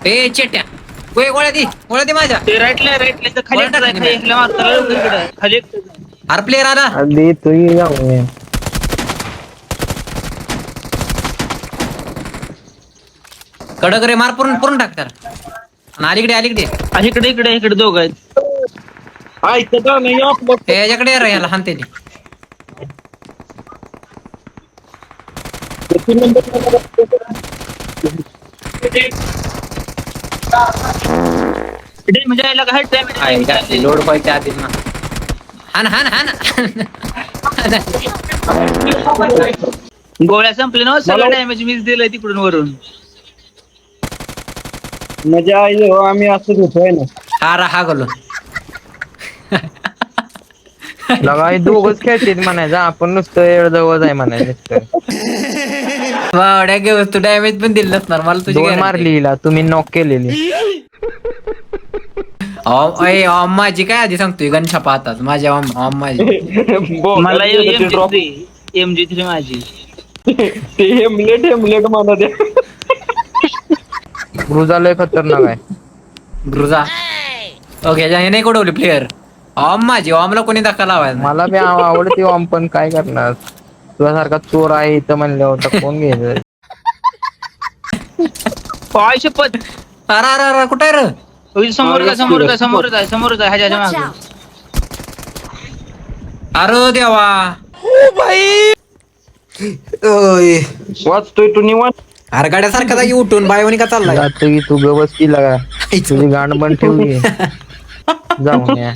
ए चेट्या गोळ्या दे माझ्या. ते राईटला तर खाली एकटा जाय, खाली एकला मारताना लवकर इकडं. खाली एकटा जाय. अरे प्लेअर आला. अरे तू जाऊ कडक रे मार पुरून टाक त्याला. आणि अलीकडे इकडे दोघं आहेत. ऐकता नाही आपलं. याच्याकडे रे, याला हानते ती. म्हणजे याला काय डॅमेज लोड पाहिजे आधी ना. हान गोळ्या संपले ना, सगळं डॅमेज मीच दिलंय तिकडून वरून. मजा आई हो, आम्ही असंच होतोय ना. हा गलो लगा दोघच खेळतील म्हणायचं, आपण नुसतं एवढं जवळ आहे म्हणायचं. वाड्या तू डॅमेज पण दिलं नसणार मला तुझी दोन मारली हिला, तुम्ही नॉक केलेली. माझी काय आधी सांगतोय गणछा पाहतात माझ्या माझी. मला MG3 माझी. ते हेमलेट मला द्या. ग्रुजा लय खतरनाक आहे. ग्रुजा ओके हे नाही कोडवली प्लेअर. माझी ला कोणी धक्का लावायचा. मला बी आवडते ओम, पण काय करणार, तुझ्यासारखा चोर आहे इथं म्हणल्यावर कोण घ्यायचं. पाय शपथ. अरे कुठे आहे रे. समोरच आहे ह्याच्या मागे. अरे देवा. वाचतोय तू निवांत. अरे गाड्यासारखा जागी उठून बायवणी का चाललाय. जातो की तू गवस की लगा, तुझी गांड बंद ठेवली. जाऊन या.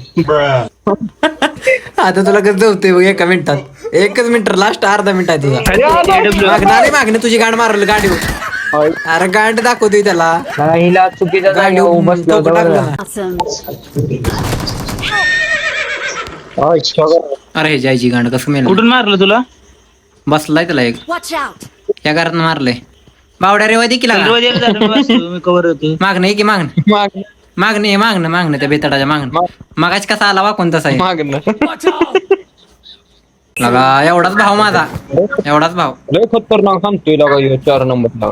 आता तुला कसं होतंय बघ एका मिनिटात. एकच मिनिट लास्ट अर्धा मिनिट आहे तुझा. मागणे तुझी गांड मारल गाडी. अरे गांड दाखवतोय त्याला. हिला चुकीच्या जागेवर बसलं. अरे जायची गांड कसं मेल. कुठून मारलं तुला. बसलाय त्याला एक या घरात मारलंय. बावड्या रेवा देखील कवर होतो. मागणं की मागणं त्या बेताडाच्या मागणं. मागाच कसा आला वा कोणताच आहे लगा. एवढाच भाव माझा, एवढाच भाव. लय खतरनाक सांगतोय लगा ह्यो 4 नंबरला.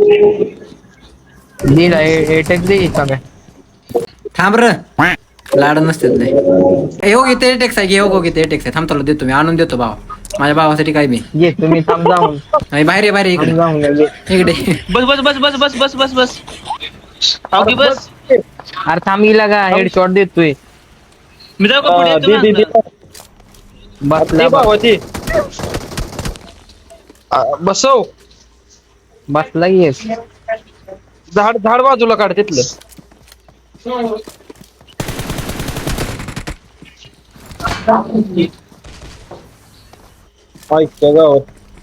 थांब र लाड नसते लय. हो घेते टेक्स आहे हो घेते टेक्स आहे. थांब तुला देतो मी आणून देतो भाव माझ्या भावासाठी काय मी. तुम्ही थांब जाऊन बाहेर इकडे जाऊन इकडे बस. अवघी बस. अरे थांबी लागा, हेडशॉट देतोय. मी जाऊ का पुढे. बसला बसव. बसला की झाड बाजूला काढ तिथलं. ऐकतो गावात.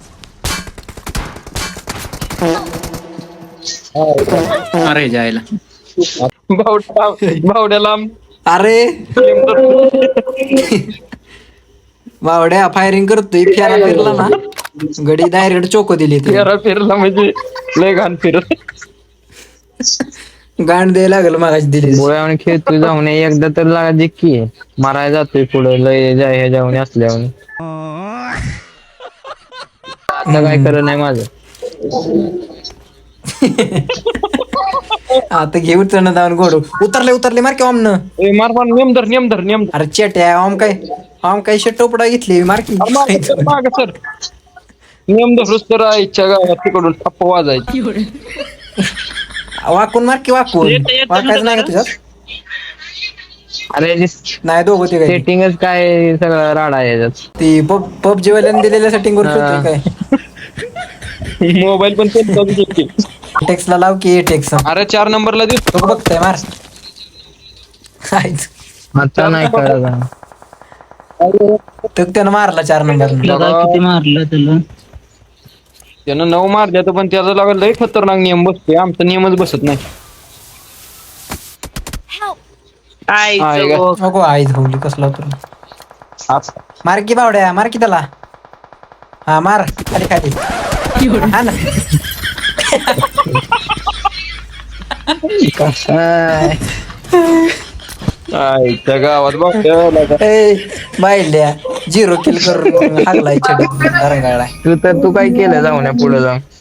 अरे जायला बावड्याला. अरे बावड्या फायरिंग करतोय. फेरा फिरला ना गडी डायरेक्ट चोको दिली. फिरला म्हणजे लय घाण फिरत. गांड द्यायला लागलं मागाशी दिली. गोळ्यावर खेळतोय जाऊन एकदा तर लागा जिक्की मारायला जातोय पुढे लय जाय जाऊन असल्यावर. आता काय करत नाही माझं. आता घेऊ चण जाऊन गोडू. उतरले मार की ओम न. मार नेमधर. अरे चेट्या ओम काय टोपडा घेतली मार की. माग सर नेमधर तर इच्छा गावात तिकडून टप्प वाजायची. वाकून मार की वाकून. वाकायचं नाही का तुझ्यात. अरे नाही दोघं ते सेटिंगच काय सगळं राडा आहे याच्यात. ती पबजी वाल्याने दिलेल्या सेटिंग वर काय. मोबाईल पण टेक्सला लाव की टेक्स. अरे 4 नंबरला दे. तो बघताय मार. आता नाही कळलं. त्यानं मारला 4 नंबर. किती मारलं त्याला. त्यानं 9 मारल्या तर पण त्याचा लागला लय खतरनाक नियम बसतोय. आमचा नियमच बसत नाही. नको आई धवली कसला तुला. मार की बावड्या मार की त्याला. हा मार खाली हा ना. त्या गावात बायल्या 0 किल करून हागलाय रंगाळा. तू काय केलं जाऊन पुढे जाऊन.